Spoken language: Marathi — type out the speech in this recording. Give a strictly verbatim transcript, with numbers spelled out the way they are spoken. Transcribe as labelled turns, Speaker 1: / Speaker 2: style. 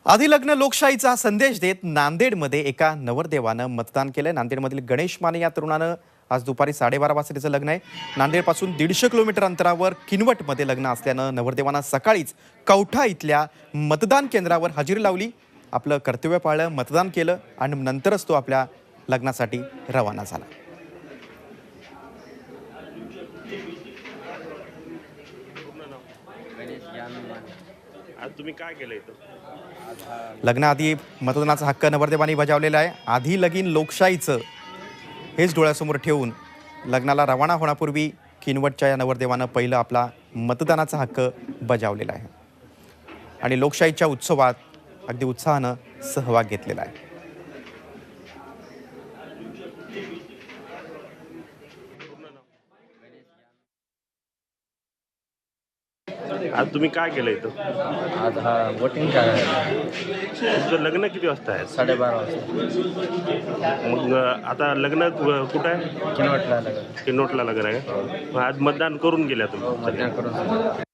Speaker 1: आधी लग्न लोकशाहीचा संदेश देत नांदेडमध्ये एका नवरदेवानं मतदान केलंय। नांदेडमधील गणेश माने या तरुणानं आज दुपारी साडेबारा वाजता त्याचं लग्न आहे। नांदेडपासून दीडशे किलोमीटर अंतरावर किनवटमध्ये लग्न असल्यानं नवरदेवानं सकाळीच कवठा इथल्या मतदान केंद्रावर हजेरी लावली, आपलं कर्तव्य पाळलं, मतदान केलं आणि नंतरच तो आपल्या लग्नासाठी रवाना झाला।
Speaker 2: आज तुम्ही काय केलं इथं?
Speaker 1: लग्नाआधी मतदानाचा हक्क नवरदेवानी बजावलेला आहे। आधी लगीन लोकशाहीचं हेच डोळ्यासमोर ठेवून लग्नाला रवाना होण्यापूर्वी किनवटच्या या नवरदेवानं पहिलं आपला मतदानाचा हक्क बजावलेला आहे आणि लोकशाहीच्या उत्सवात अगदी उत्साहानं सहभाग घेतलेला आहे।
Speaker 2: आज तुम्ही काय केलं इथं?
Speaker 3: आज हा वोटिंग करायला
Speaker 2: तुमचं लग्न किती वाजता आहे?
Speaker 3: साडेबारा वाजता
Speaker 2: मग आता लग्न कु- कुठं आहे?
Speaker 3: किनवटला लागलं.
Speaker 2: किनोटला लग्न आहे का? मग आज मतदान करून गेल्या तुम्ही?
Speaker 3: मतदान करून झालं.